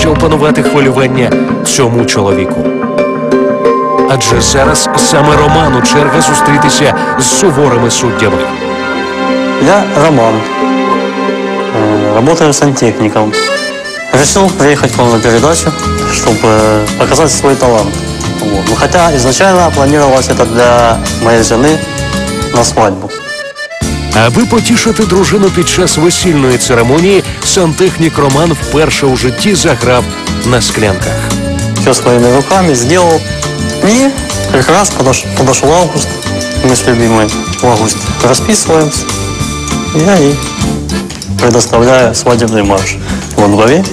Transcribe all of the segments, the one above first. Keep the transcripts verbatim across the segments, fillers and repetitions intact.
ще опанувати хвилювання цьому чоловіку. Адже зараз саме Роману черга зустрітися з суворими суддями. Я Роман, работаю сантехником. Решил приехать к вам на передачу, чтобы показать свой талант. Вот. Ну, хотя изначально планировалось это для моей жены на свадьбу. Аби потішити дружину під час весільної церемонії, сантехнік Роман вперше у житті заграв на склянках. Все своими руками сделал. И как раз подош, подошел август, мы с любимой в августе расписываемся. Я ей предоставляю свадебный марш во дворе.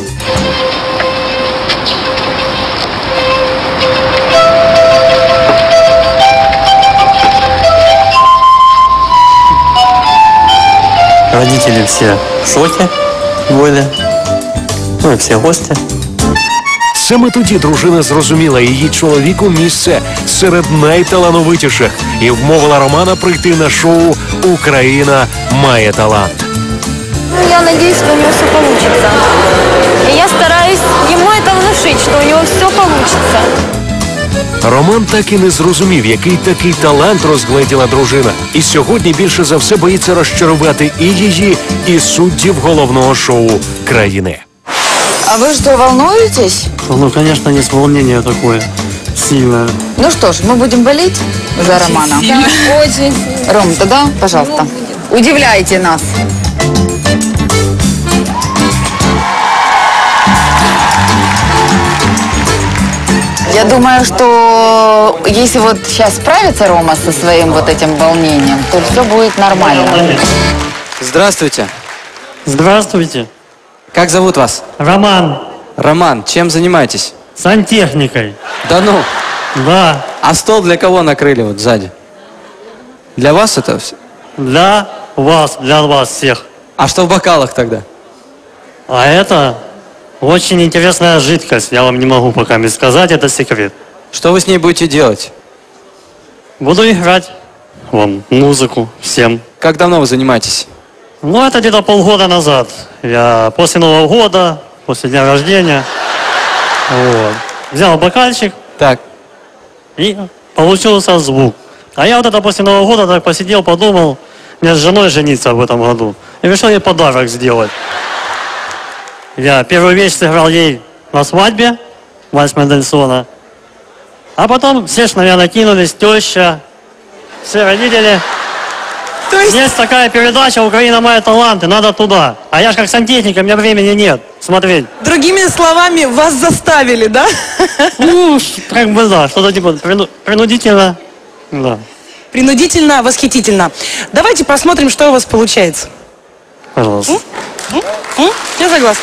Родители все в шоке были, ну и все гости. Саме тоді дружина зрозуміла, її чоловіку місце серед найталановитіших і вмовила Романа прийти на шоу «Україна має талант». Я надеюсь, что у него все получится. И я стараюсь ему это внушить, что у него все получится. Роман так і не зрозумів, який такий талант розгледіла дружина. І сьогодні більше за все боїться розчарувати і її, і суддів головного шоу країни. А вы что, волнуетесь? Ну, конечно, есть волнение такое сильное. Ну что ж, мы будем болеть за Романа. Да, очень. Ром, тогда, пожалуйста, удивляйте нас. Я думаю, что если вот сейчас справится Рома со своим вот этим волнением, то все будет нормально. Здравствуйте. Здравствуйте. Как зовут вас? Роман. Роман, чем занимаетесь? Сантехникой. Да ну. Да. А стол для кого накрыли вот сзади? Для вас это все? Для вас, для вас всех. А что в бокалах тогда? А это очень интересная жидкость. Я вам не могу пока не сказать, это секрет. Что вы с ней будете делать? Буду играть вам музыку всем. Как давно вы занимаетесь? Ну, это где-то полгода назад. Я после Нового года, после дня рождения, вот, взял бокальчик. Так. И получился звук. А я вот это после Нового года так посидел, подумал, мне с женой жениться в этом году. И решил ей подарок сделать. Я первую вещь сыграл ей на свадьбе, вальс Мендельсона. А потом все ж на меня накинулись, теща, все родители. То есть... Есть такая передача «Украина мает таланты», надо туда. А я же как сантехник, у меня времени нет смотреть. Другими словами, вас заставили, да? Ну, как бы да, что-то типа прину- принудительно, да. Принудительно, восхитительно. Давайте посмотрим, что у вас получается. Пожалуйста. М? М? Я согласна.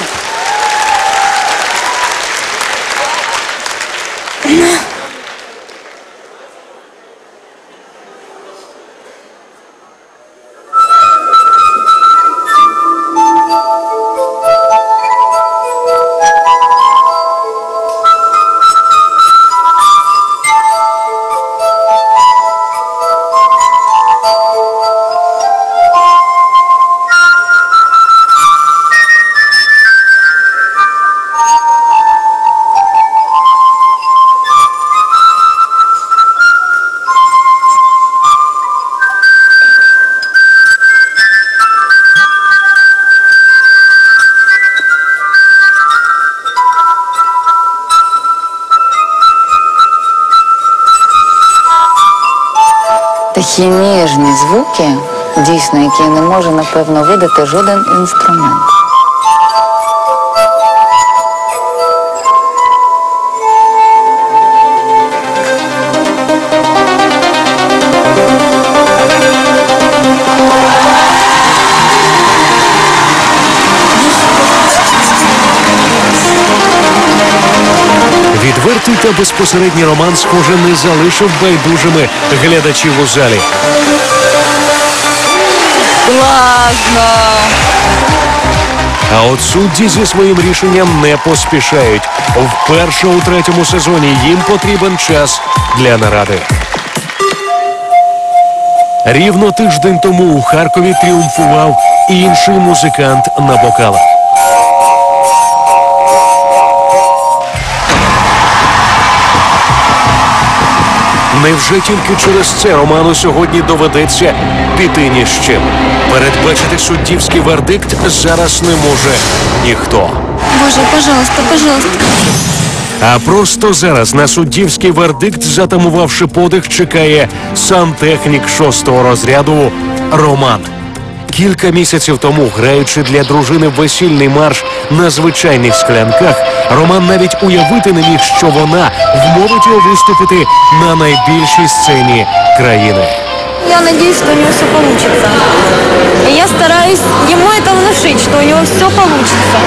Такі ніжні звуки, дійсно, які не може, напевно, видати жоден інструмент. Відвертий та безпосередній Роман, схоже, не залишив байдужими глядачів у залі. Класно! А от судді зі своїм рішенням не поспішають. Вперше у третьому сезоні їм потрібен час для наради. Рівно тиждень тому у Харкові тріумфував інший музикант на бокалах. Невже тільки через це Роману сьогодні доведеться піти ні з чим? Передбачити суддівський вердикт зараз не може ніхто. Боже, пожалуйста, пожалуйста. А просто зараз на суддівський вердикт, затамувавши подих, чекає сантехнік шостого розряду Роман. Кілька місяців тому, граючи для дружини весільний марш на звичайних склянках, Роман навіть уявити не міг, що вона вмовить його виступити на найбільшій сцені країни. Я надеюсь, что у него все получится. И я стараюсь ему это внушить, что у него все получится.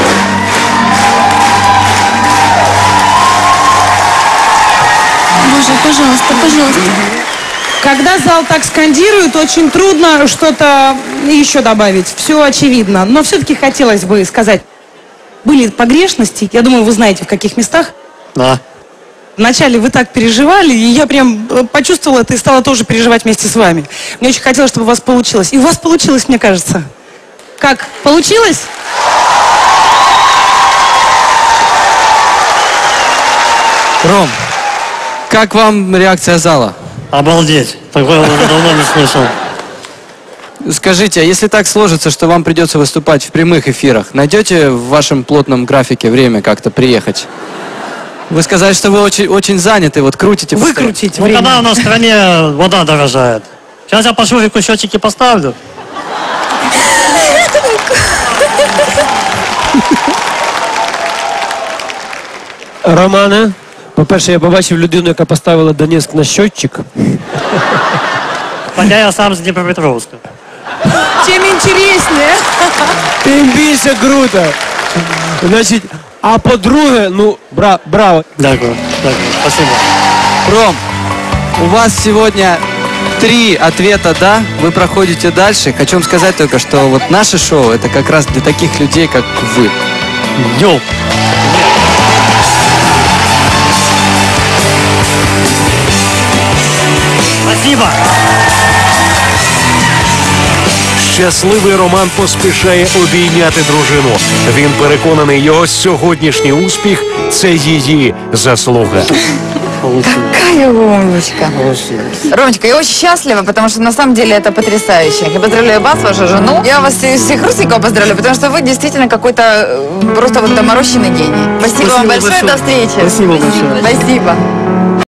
Боже, пожалуйста, пожалуйста. Когда зал так скандирует, очень трудно что-то еще добавить. Все очевидно. Но все-таки хотелось бы сказать, были погрешности, я думаю, вы знаете, в каких местах. Да. Вначале вы так переживали, и я прям э, почувствовала это и стала тоже переживать вместе с вами. Мне очень хотелось, чтобы у вас получилось. И у вас получилось, мне кажется. Как? Получилось? Ром, как вам реакция зала? Обалдеть. Такое уже давно не слышал. Скажите, а если так сложится, что вам придется выступать в прямых эфирах, найдете в вашем плотном графике время как-то приехать? Вы сказали, что вы очень, очень заняты, вот крутите. Выкрутить Ну, время. когда у нас в стране вода дорожает. Сейчас я по шурику счетчики поставлю. Романе, по-перше, я побачив людину, яка поставила Донецьк на щотчик. Хотя я сам с Днепропетровска. Тем интереснее. Тим більше круто. Значить, а по-друге, ну, бра, браво. Дякую, дякую. Спасибо. Ром, у вас сегодня три ответа «да», вы проходите дальше. Хочу вам сказать только, что вот наше шоу — это как раз для таких людей, как вы. Йоу. Спасибо. Щасливий Роман поспішає обійняти дружину. Він переконаний, його сьогоднішній успіх – це її заслуга. Какая умничка. Ромочка, я очень счастлива, потому что на самом деле это потрясающе. Я поздравляю вас, вашу жену. Я вас всех Русиков поздравляю, потому что вы действительно какой-то э, просто вот доморощенный гений. Спасибо, Спасибо вам большое, большое. до встречи. Спасибо большое. Спасибо.